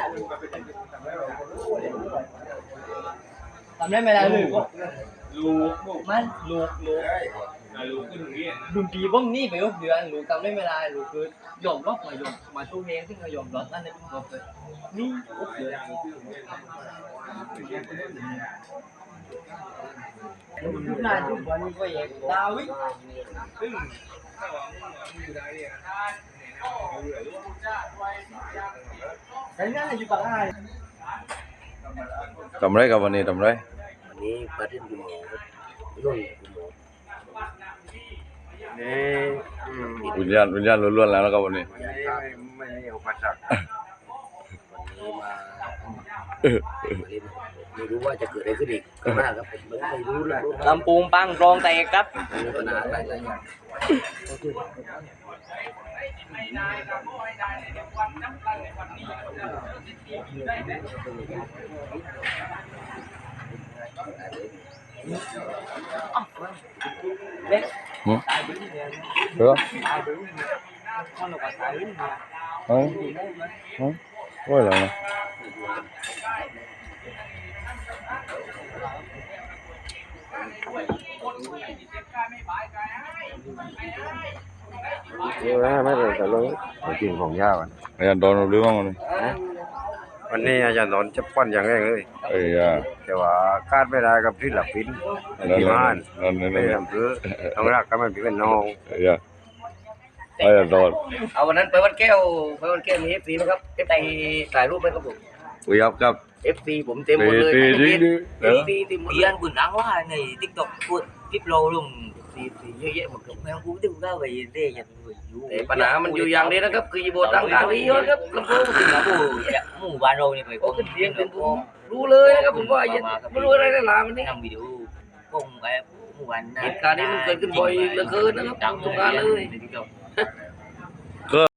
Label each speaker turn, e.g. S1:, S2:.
S1: ทำได้ไม่ได้เลยก็ลูกมันลูกดุนตีบ้องนี่ไปก็เดือนลูกทำได้ไม่ได้ลูกคือยอมรับมายอมมาตู้เองที่มายอมรับนั่นเลยผมเลยนี่โอ้โหทุกนายทุกวันก็ยังดาวิซึ่งแต่นั่นอยู่ปากอ้าย
S2: ทำไรกับวันนี้ทำไร
S3: วันนี้ปาร์ตี้คุณหมอรุ่นคุณหมอนี่
S2: วิญญาณล้วนๆแล้วก็วันนี้
S3: ไม่มีอุปสรรควันนี้มาไม่รู้ว่าจะเกิดอะไรขึ้นอีกก็มากครับผมไม่รู้เลย
S1: ลำปูงปังรองแตกครับ
S3: มีปัญหาหลายอย่าง
S1: เล็กตายไปนี่เลยตายไปนี่เลยcon là quả tายนี่
S2: ôi là
S3: ไม่เลยแต่เลยจริงของยาก
S2: อาจารย์โดนหรือบ้าง
S3: วันนี้อาจารย์นนท์จะปั้นอย่างแรกเลยแต่ว่าคาดไม่ได้กับที่หลับฟินที่บ้านไม่ทำเพื่อต้องรักกันมันเป็นน้อง
S2: อาจารย์โดน
S3: เอาวันนั้นไปวัดแก้วมีFCไหมครับไปถ่ายรูปไหมครับผม
S2: ครับ
S3: FC ผมเต็มหมดเลย
S1: FC thì đi ăn quần áo quá này TikTok cuộn clip lâu luônเยอะแยะหมดครับแม่กูตึ้งก็ไปเรื่อยอย่าง
S3: แต่ปัญหามันอยู่อย่างนี้นะครับคือโบตั้งการนี้เยอะครับลำโพง
S1: ถึงแล้วหมู่บ้านเราเนี่ยไป
S3: ก็เสียงเป็นผมรู้เลยนะครับผมว่าไม่รู้อะไรได้ลามันนี่
S1: ทำวิดีโอคงไอ้หมู่บ้าน
S3: เหตุการณ์นี้มันเกิดขึ้นบ่อยเหลือเกินนะครับทุกการเลย